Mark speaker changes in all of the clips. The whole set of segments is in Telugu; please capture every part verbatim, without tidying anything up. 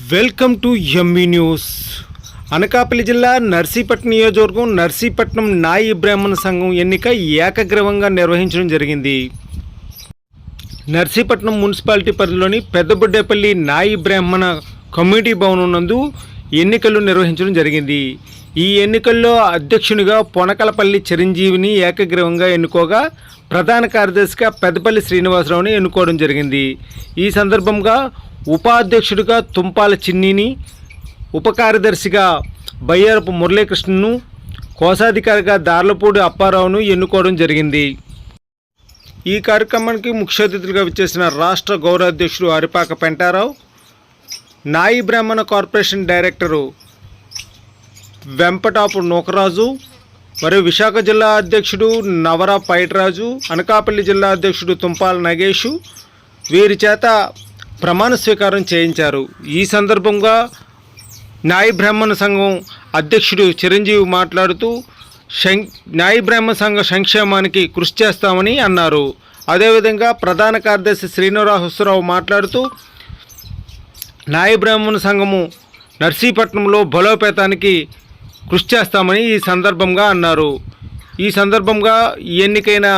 Speaker 1: Welcome to ME news. Anakapalli జిల్లా నర్సీపట్నం నియోజకవర్గం నర్సీపట్నం నాయి బ్రాహ్మణ సంఘం ఎన్నిక ఏకగ్రీవంగా నిర్వహించడం జరిగింది. నర్సీపట్నం మున్సిపాలిటీ పరిధిలోని పెద్దబుడ్డేపల్లి నాయి బ్రాహ్మణ కమ్యూనిటీ భవనం నందు ఎన్నికలు నిర్వహించడం జరిగింది. ఈ ఎన్నికల్లో అధ్యక్షునిగా పొనకలపల్లి చిరంజీవిని ఏకగ్రీవంగా ఎన్నుకోగా ప్రధాన కార్యదర్శిగా పెద్దపల్లి శ్రీనివాసరావుని ఎన్నుకోవడం జరిగింది. ఈ సందర్భంగా ఉపాధ్యక్షుడిగా తుంపాల చిన్నిని, ఉప కార్యదర్శిగా బయ్యారపు మురళీకృష్ణను, కోశాధికారిగా దార్లపూడి అప్పారావును ఎన్నుకోవడం జరిగింది. ఈ కార్యక్రమానికి ముఖ్య అతిథులుగా విచ్చేసిన రాష్ట్ర గౌరవాధ్యక్షుడు అరిపాక పెంటారావు, నాయి బ్రాహ్మణ కార్పొరేషన్ డైరెక్టరు వెంపటాపు నూకరాజు, మరియు విశాఖ జిల్లా అధ్యక్షుడు నవరా పైటరాజు, అనకాపల్లి జిల్లా అధ్యక్షుడు తుంపాల నగేషు వీరి చేత ప్రమాణ స్వీకారం చేయించారు. ఈ సందర్భంగా నాయి బ్రాహ్మణ సంఘం అధ్యక్షుడు చిరంజీవి మాట్లాడుతూ శం నాయి బ్రాహ్మణ సంఘ సంక్షేమానికి కృషి చేస్తామని అన్నారు. అదేవిధంగా ప్రధాన కార్యదర్శి శ్రీనివాసరావు మాట్లాడుతూ నాయి బ్రాహ్మణ సంఘము నర్సీపట్నంలో బలోపేతానికి కృషి చేస్తామని ఈ సందర్భంగా అన్నారు. ఈ సందర్భంగా ఎన్నికైన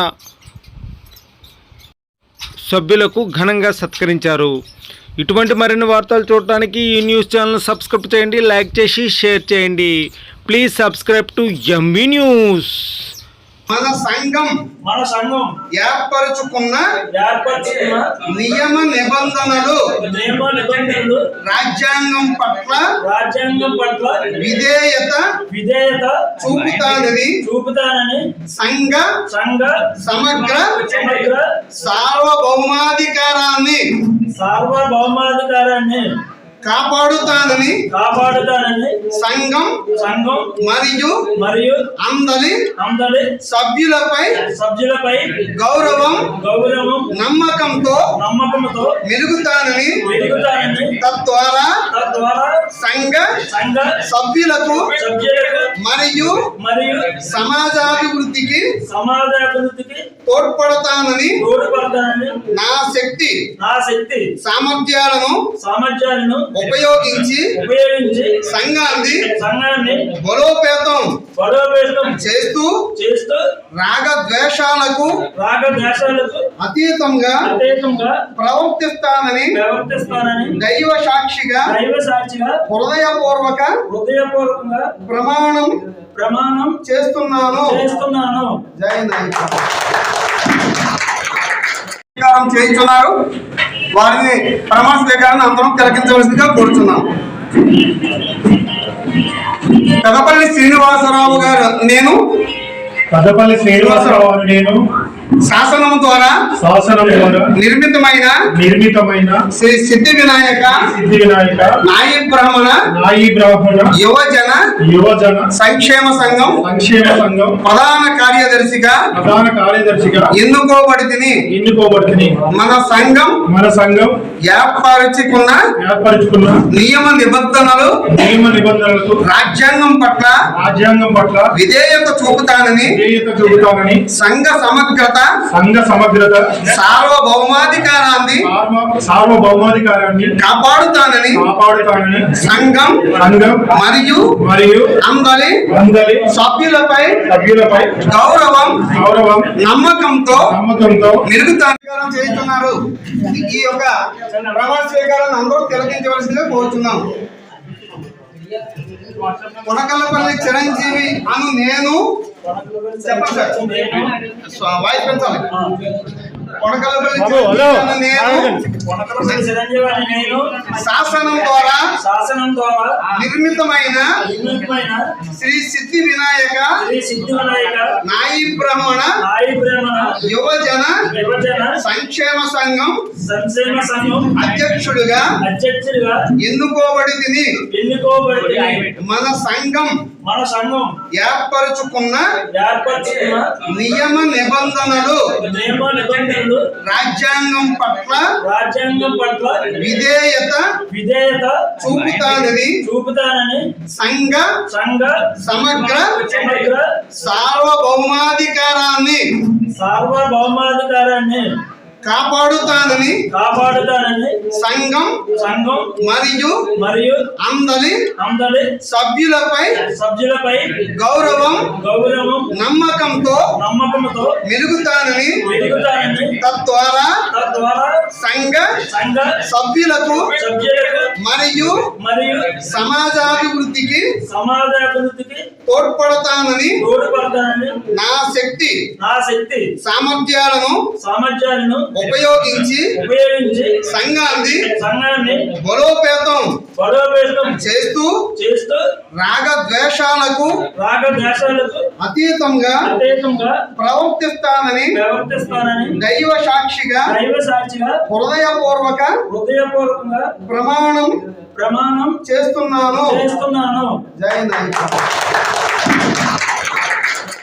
Speaker 1: సభ్యులకు ఘనంగా సత్కరించారు. ఇటువంటి మరిన్ని వార్తలు చూడటానికి ఈ న్యూస్ ఛానల్ సబ్స్క్రైబ్ చేయండి, లైక్ చేసి షేర్ చేయండి. Please subscribe to ME news.
Speaker 2: మన సంఘం
Speaker 3: మన సంఘం
Speaker 2: ఏర్పరచుకున్న
Speaker 3: ఏర్పరచుకున్న
Speaker 2: నియమ నిబంధనలు
Speaker 3: నియమ నిబంధనలు
Speaker 2: రాజ్యాంగం పట్ల
Speaker 3: రాజ్యాంగం పట్ల
Speaker 2: విధేయత
Speaker 3: విధేయత
Speaker 2: చూపుతానని
Speaker 3: చూపుతానని
Speaker 2: సంఘ
Speaker 3: సంఘ
Speaker 2: సమగ్ర
Speaker 3: సమగ్ర
Speaker 2: సార్వభౌమాధికారాన్ని
Speaker 3: సార్వభౌమాధికారాన్ని
Speaker 2: కాపాడుతానని
Speaker 3: కాపాడుతానని
Speaker 2: సంఘం
Speaker 3: సంఘం
Speaker 2: మరియు
Speaker 3: మరియు
Speaker 2: అందరి
Speaker 3: అందరి
Speaker 2: సభ్యులపై
Speaker 3: సభ్యులపై
Speaker 2: గౌరవం
Speaker 3: గౌరవం
Speaker 2: నమ్మకంతో
Speaker 3: నమ్మకంతో
Speaker 2: మెరుగుతానని
Speaker 3: మెరుగుతానని
Speaker 2: తద్వారా
Speaker 3: తద్వారా
Speaker 2: సంఘ
Speaker 3: సంఘ
Speaker 2: సభ్యులకు
Speaker 3: సభ్యులకు
Speaker 2: మరియు
Speaker 3: మరియు
Speaker 2: సమాజాభివృద్ధికి
Speaker 3: సమాజాభివృద్ధికి
Speaker 2: తోడ్పడతానని
Speaker 3: తోడ్పడతానని
Speaker 2: నా శక్తి
Speaker 3: నా శక్తి
Speaker 2: సామర్థ్యాలను
Speaker 3: సామర్థ్యాలను
Speaker 2: ఉపయోగించి
Speaker 3: ఉపయోగించి
Speaker 2: సంఘాన్ని
Speaker 3: సంఘాన్ని
Speaker 2: బలోపేతం
Speaker 3: బలోపేతం
Speaker 2: చేస్తూ
Speaker 3: చేస్తూ
Speaker 2: రాగ ద్వేషాలకు
Speaker 3: రాగ ద్వేషాలకు
Speaker 2: అతీతంగా
Speaker 3: అతీతంగా
Speaker 2: ప్రవర్తిస్తానని
Speaker 3: ప్రవర్తిస్తానని
Speaker 2: దైవ సాక్షిగా
Speaker 3: దైవ సాక్షిగా
Speaker 2: హృదయపూర్వక
Speaker 3: హృదయపూర్వకంగా
Speaker 2: ప్రమాణం
Speaker 3: ప్రమాణం
Speaker 2: చేస్తున్నాను
Speaker 3: చేస్తున్నాను.
Speaker 2: జై నాయక చేయించున్నారు. వారిని ప్రమాణ స్వీకారాన్ని అందరం తిలకించవలసిందిగా కోరుతున్నాం. పెదపల్లి శ్రీనివాసరావు గారు నేను
Speaker 4: పెద్దపల్లి శ్రీనివాసరావు నేను
Speaker 2: శాసనం ద్వారా
Speaker 4: శాసనం ద్వారా
Speaker 2: నిర్మితమైన
Speaker 4: నిర్మితమైన
Speaker 2: శ్రీ సిద్ధి వినాయక
Speaker 4: సిద్ధి వినాయక
Speaker 2: నాయి బ్రాహ్మణ
Speaker 4: నాయి బ్రాహ్మణ
Speaker 2: యువజన
Speaker 4: యువజన
Speaker 2: సంక్షేమ సంఘం
Speaker 4: సంక్షేమ సంఘం
Speaker 2: ప్రధాన కార్యదర్శిగా
Speaker 4: ప్రధాన కార్యదర్శిగా
Speaker 2: ఎన్నుకోబడితిని.
Speaker 4: ఎన్నుకోబడుతుంది.
Speaker 2: మన సంఘం
Speaker 4: మన సంఘం
Speaker 2: ఏర్పరచుకున్న
Speaker 4: ఏర్పరచుకున్న
Speaker 2: నియమ నిబంధనలు
Speaker 4: నియమ నిబంధనలకు
Speaker 2: రాజ్యాంగం పట్ల
Speaker 4: రాజ్యాంగం పట్ల
Speaker 2: విధేయత చూపుతానని
Speaker 4: విధేయత చూపుతానని
Speaker 2: సంఘ సమగ్రత
Speaker 4: సంఘ సమగ్రత
Speaker 2: సార్వభౌమాధికారాన్ని
Speaker 4: సార్వభౌమాధికారాన్ని
Speaker 2: కాపాడుతానని
Speaker 4: కాపాడుతానని
Speaker 2: సంఘం
Speaker 4: సంఘం
Speaker 2: మరియు
Speaker 4: మరియు
Speaker 2: అందరి
Speaker 4: అందరి
Speaker 2: సభ్యులపై
Speaker 4: సభ్యులపై
Speaker 2: గౌరవం
Speaker 4: గౌరవం
Speaker 2: నమ్మకంతో
Speaker 4: నమ్మకంతో
Speaker 2: మెరుగుతాను చేస్తున్నారు. ఈ యొక్క ప్రమాణ స్వీకారాన్ని అందరూ తిలకించవలసిందిగా కోరుతున్నాం. పొనకల్లపల్లి చిరంజీవి అను నేను చెప్పండి సార్, వాయిస్ పెంచాలి. పొనకల్లపల్లి చిరంజీవి అను నేను
Speaker 3: పొనకలపల్లి చిరంజీవి అని నేను
Speaker 2: శాసనం ద్వారా
Speaker 3: శాసనం ద్వారా
Speaker 2: నిర్మితమైన
Speaker 3: నిర్మితమైన
Speaker 2: శ్రీ సిద్ధి వినాయక
Speaker 3: శ్రీ సిద్ధి వినాయక
Speaker 2: నాయి బ్రాహ్మణ
Speaker 3: నాయి బ్రాహ్మణ
Speaker 2: యువజన
Speaker 3: యువజన
Speaker 2: సంక్షేమ సంఘం
Speaker 3: సంక్షేమ సంఘం
Speaker 2: అధ్యక్షుడిగా
Speaker 3: అధ్యక్షుడిగా
Speaker 2: ఎన్నుకోబడి తిని
Speaker 3: ఎన్నుకోబడి
Speaker 2: మన సంఘం
Speaker 3: మన సంఘం
Speaker 2: ఏర్పరచుకున్న
Speaker 3: ఏర్పరచుకున్న
Speaker 2: నియమ నిబంధనలు
Speaker 3: నియమ నిబంధనలు
Speaker 2: రాజ్యాంగం పట్ల
Speaker 3: రాజ్యాంగం పట్ల
Speaker 2: విధేయత
Speaker 3: విధేయత
Speaker 2: చూపుతానని
Speaker 3: చూపుతానని
Speaker 2: సంఘ
Speaker 3: సంఘ
Speaker 2: సమగ్ర
Speaker 3: సమగ్ర
Speaker 2: సార్వభౌమాధికారాన్ని
Speaker 3: సార్వభౌమాధికారాన్ని
Speaker 2: కాపాడుతానని
Speaker 3: కాపాడుతానని
Speaker 2: సంఘం
Speaker 3: సంఘం
Speaker 2: మరియు
Speaker 3: మరియు
Speaker 2: అందరి
Speaker 3: అందరి
Speaker 2: సభ్యులపై
Speaker 3: సభ్యులపై
Speaker 2: గౌరవం
Speaker 3: గౌరవం
Speaker 2: నమ్మకంతో
Speaker 3: నమ్మకంతో
Speaker 2: మెలుగుతానని
Speaker 3: వెలుగుతానని
Speaker 2: తద్వారా
Speaker 3: తద్వారా
Speaker 2: సంఘ
Speaker 3: సంఘ
Speaker 2: సభ్యులకు
Speaker 3: సభ్యులకు
Speaker 2: మరియు
Speaker 3: మరియు
Speaker 2: సమాజాభివృద్ధికి
Speaker 3: సమాజాభివృద్ధికి
Speaker 2: తోడ్పడతానని
Speaker 3: తోడ్పడతానని
Speaker 2: నా శక్తి
Speaker 3: నా శక్తి
Speaker 2: సామర్థ్యాలను
Speaker 3: సామర్థ్యాలను
Speaker 2: ఉపయోగించి
Speaker 3: ఉపయోగించి
Speaker 2: సంఘాన్ని
Speaker 3: సంఘాన్ని
Speaker 2: బలోపేతం
Speaker 3: బలోపేతం
Speaker 2: చేస్తూ
Speaker 3: చేస్తూ
Speaker 2: రాగ ద్వేషాలకు
Speaker 3: రాగ దేశాలకు
Speaker 2: అతీతంగా
Speaker 3: అతీతంగా
Speaker 2: ప్రవర్తిస్తానని
Speaker 3: ప్రవర్తిస్తానని
Speaker 2: దైవ సాక్షిగా
Speaker 3: దైవ సాక్షిగా
Speaker 2: హృదయపూర్వక
Speaker 3: హృదయపూర్వకంగా
Speaker 2: ప్రమాణం
Speaker 3: ప్రమాణం
Speaker 2: చేస్తున్నాను.
Speaker 3: చేస్తున్నాను.
Speaker 2: జై నాయక.